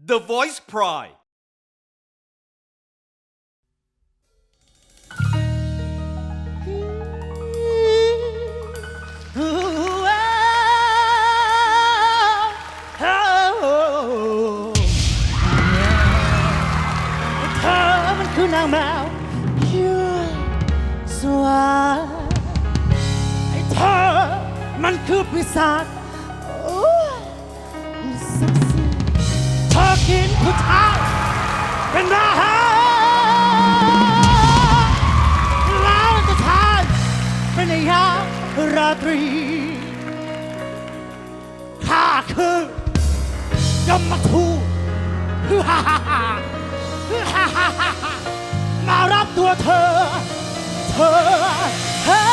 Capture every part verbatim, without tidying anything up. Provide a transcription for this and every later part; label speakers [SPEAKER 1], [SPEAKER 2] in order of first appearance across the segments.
[SPEAKER 1] The Voice Pride
[SPEAKER 2] คือนางแมวยั่วสวาไอ้เธอมันคือปีศาจโอ้ยศักดิ์สิทธิ์เธอกินผู้ชายเป็นอาหารแล้วจะทานเป็นยามราตรีข้าคือยมทูตฮ่าฮ่าฮ่าฮ่าฮ่าฮ่ามารับตัวเธอ เธอเธอ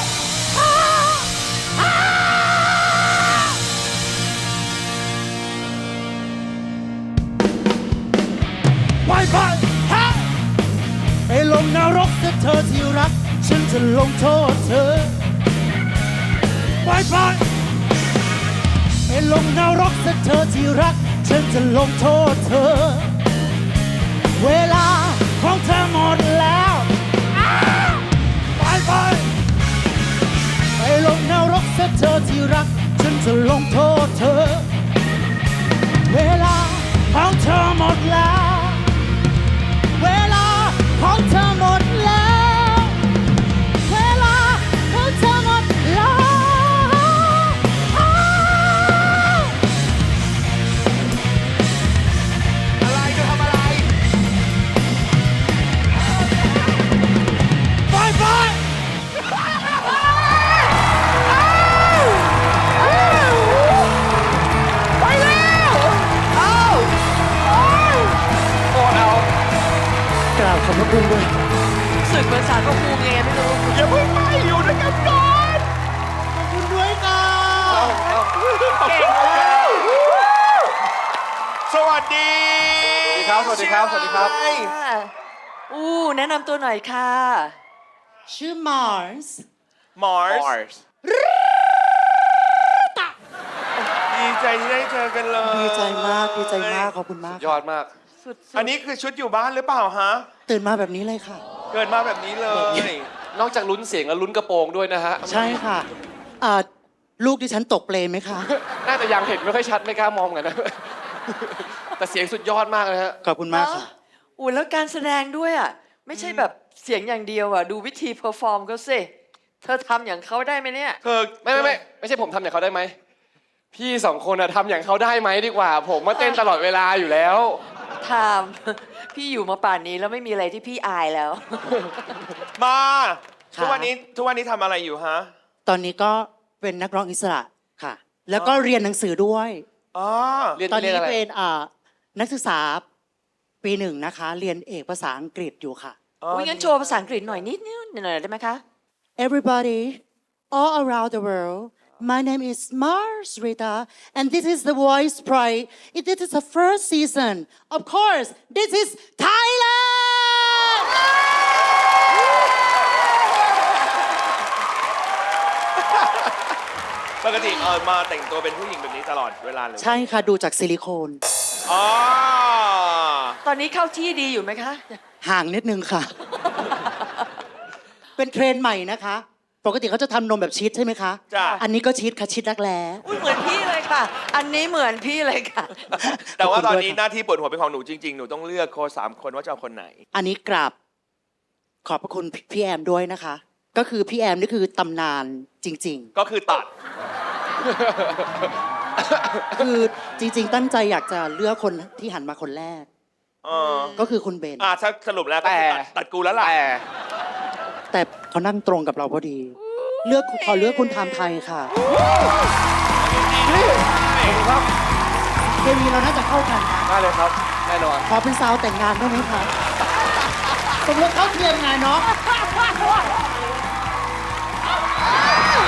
[SPEAKER 2] ไปไปไปลงนรกเธอเธอที่รักฉันจะลงโทษเธอไปไปไปลงนรกเธอเธอที่รักฉันจะลงโทษเธอเวลาของเธอหมดแล้วไปไปไปลงนรกซะเธอที่รักฉันจะลงโทษเธอเวลาของเธอหมดแล้วเวลาของเธอหมดแล้วเวลาของเธอหมดแล้ว
[SPEAKER 3] อะไรจะทำอะไร
[SPEAKER 2] ไปไป
[SPEAKER 3] ไปแล้วเอาโอ้ยโคตรเอา
[SPEAKER 2] กราบขอบพระคุณด้วย
[SPEAKER 4] สึกเหมือนสารพระภูมิไงไม่รู้
[SPEAKER 3] อย่าเพิ่งไปอยู่ด้วยกันก่อน
[SPEAKER 2] ขอบคุณด้วยค่ะ
[SPEAKER 3] เก่งแล้วสวัสดี
[SPEAKER 5] สวัสดีครับ สวัสดีครับ สวัสดีครับ
[SPEAKER 4] ค่ะอู้แนะนำตัวหน่อยค่ะ
[SPEAKER 2] ชื่อมาร์ส
[SPEAKER 3] มอร์ส
[SPEAKER 5] Mars
[SPEAKER 3] ดีใจที่ได้เจอกันเลย
[SPEAKER 2] ดีใจมาก ดีใจมาก ขอบคุณมาก
[SPEAKER 5] ยอดมาก
[SPEAKER 4] สุด
[SPEAKER 3] อันนี้คือชุดอยู่บ้านหรือเปล่าฮะ
[SPEAKER 2] ตื่นมาแบบนี้เลยค่ะ
[SPEAKER 3] เกิดมาแบบนี้เลย
[SPEAKER 5] นอกจากลุ้นเสียงแล้วลุ้นกระโปรงด้วยนะฮะ
[SPEAKER 2] ใช่ค่ะอ่าลูกดิฉันตกเปลไหมคะ
[SPEAKER 5] น่าจะยังเห็นไม่ค่อยชัดไม่กล้ามองกันนะ แต่เสียงสุดยอดมากเลยฮะ
[SPEAKER 2] ขอบคุณมากค่ะ
[SPEAKER 4] อู้แล้วการแสดงด้วยอ่ะ ไม่ใช่แบบเสียงอย่างเดียวอ่ะ ดูวิธีเพอร์ฟอร์มเขาสิ เธอทำอย่างเขาได้ไหมเนี่ย
[SPEAKER 3] เธอ
[SPEAKER 5] ไม่ไม่ไม่ไม่ใช่ผมทำอย่างเขาได้ไหม พี่สองคนอะทำอย่างเขาได้ไหมดีกว่า ผมมาเต้นตลอดเวลาอยู่แล้ว
[SPEAKER 4] ทำ พี่อยู่มาป่านนี้แล้วไม่มีอะไรที่พี่อายแล้ว
[SPEAKER 3] มา
[SPEAKER 2] ค่ะ
[SPEAKER 3] ทุกวันนี้ทุกวันนี้ทำอะไรอยู่ฮะ
[SPEAKER 2] ตอนนี้ก็เป็นนักร้องอิสระค่ะ แล้วก็เรียนหนังสือด้วย
[SPEAKER 3] อ๋อ
[SPEAKER 5] เรียน
[SPEAKER 2] ตอน
[SPEAKER 5] เรียน
[SPEAKER 2] นี้
[SPEAKER 5] อะไร
[SPEAKER 2] เป็นอ่านักศึกษาปีหนึ่งนะคะ เรียนเอกภาษาอังกฤษอยู่ค่ะ
[SPEAKER 4] อุ้ยงั้นโชว์ภาษาอังกฤษหน่อยนิดนิดหน่อยได้ไหมคะ
[SPEAKER 2] Everybody all around the world my name is Mars Rita and this is the Voice Pride this is the first season of course this is Thailand
[SPEAKER 3] ปกติเออมาแต่งตัวเป็นผู้หญิงแบบนี้ตลอดเวลาเลย
[SPEAKER 2] ใช่ค่ะ ดูจากซิลิโคน
[SPEAKER 3] อ๋อ
[SPEAKER 4] ตอนนี้เข้าที่ดีอยู่ไหมคะ
[SPEAKER 2] ห่างนิดนึงค่ะ เป็นเทรนด์ใหม่นะคะ ปกติเขาจะทำนมแบบชีสใช่ไหมคะ
[SPEAKER 3] จ้ะ
[SPEAKER 2] อันนี้ก็ชีสค่ะชีสรักแร้
[SPEAKER 4] อุ้ยเหมือนพี่เลยค่ะ อันนี้เหมือนพี่เลยค่ะ
[SPEAKER 3] แต่ว่า
[SPEAKER 2] ขอบ
[SPEAKER 3] ต
[SPEAKER 2] คุ
[SPEAKER 3] อน
[SPEAKER 2] ณด้วย
[SPEAKER 3] นี้
[SPEAKER 2] ค่ะ
[SPEAKER 3] หน้าที่ปวดหัวเป็นของหนูจริงๆ หนูต้องเลือกโค้ชสามคนว่าจะเอาคนไหน
[SPEAKER 2] อันนี้กราบขอบพระคุณพี่แอมด้วยนะคะ ก็คือพี่แอมนี่คือตำนานจริง
[SPEAKER 3] ก็คือตัด
[SPEAKER 2] ๆ คือจริง ๆ ตั้งใจอยากจะเลือกคนที่หันมาคนแรก
[SPEAKER 3] เออ
[SPEAKER 2] ก็คือคุณเบน
[SPEAKER 3] อ่าถ้าสรุปแล้วก็คือตัดตัดกูแล้วล่ะ
[SPEAKER 5] แต่
[SPEAKER 2] แต่เขานั่งตรงกับเราพอดี เลือกขอเลือกคุณไทม์ไทยค่ะเคมีเราน่าจะเข้ากันนะ
[SPEAKER 5] ได้เลยครับ แน่นอน
[SPEAKER 2] ขอเป็นสาวแต่งงานได้ไหมคะสมรสเท่าเทียมไงเนาะ